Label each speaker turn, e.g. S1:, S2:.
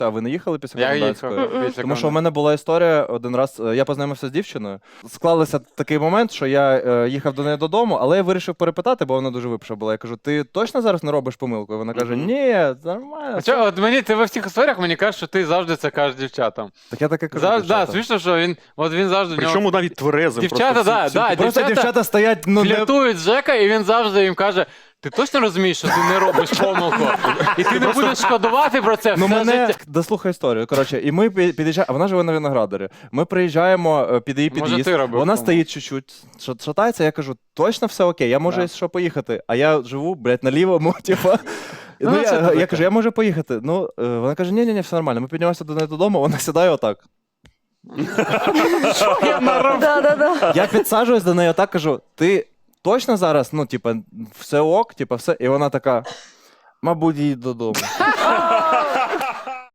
S1: А ви не їхали після
S2: Я
S1: комендантської?
S2: їхав.
S1: Тому що у мене була історія один раз, я познайомився з дівчиною. Склалося такий момент, що я їхав до неї додому, але я вирішив перепитати, бо вона дуже випша була. Я кажу, ти точно зараз не робиш помилку? І вона каже, ні, нормально.
S2: А чого, от мені, ти во всіх історіях мені кажеш, що ти завжди це кажеш дівчатам.
S1: Так я таке кажу.
S2: Да,
S1: дівчатам.
S2: смішно, що він завжди...
S3: Причому навіть тверезим.
S2: Дівчата,
S1: Просто
S2: дівчата
S1: дівчата стоять, ну, не...
S2: фліртують з Жека, і він завжди їм каже, ти точно розумієш, що ти не робиш помилку? І ти не будеш шкодувати про це
S1: Ну,
S2: все
S1: мене...
S2: життя.
S1: Дослухай історію. Коротше, і ми під'їжджаємо, а вона живе на Виноградарі. Ми приїжджаємо під її
S2: Може,
S1: під'їзд,
S2: ти робив
S1: вона
S2: помилку?
S1: стоїть чуть-чуть, шатається, я кажу, точно все окей, я можу,
S2: Да.
S1: якщо що, поїхати. А я живу, блядь, на лівому, типа.
S2: Ну,
S1: Ну,
S2: це таке.
S1: я кажу, я можу поїхати. Ну, вона каже, ні, все нормально. Ми піднімаємося до неї додому, вона сідає отак.
S4: Да.
S1: Я підсаджуюсь до неї отак, кажу, ти точно зараз, ну, типа, все ок, типа, все. І вона така, мабуть, їдь додому.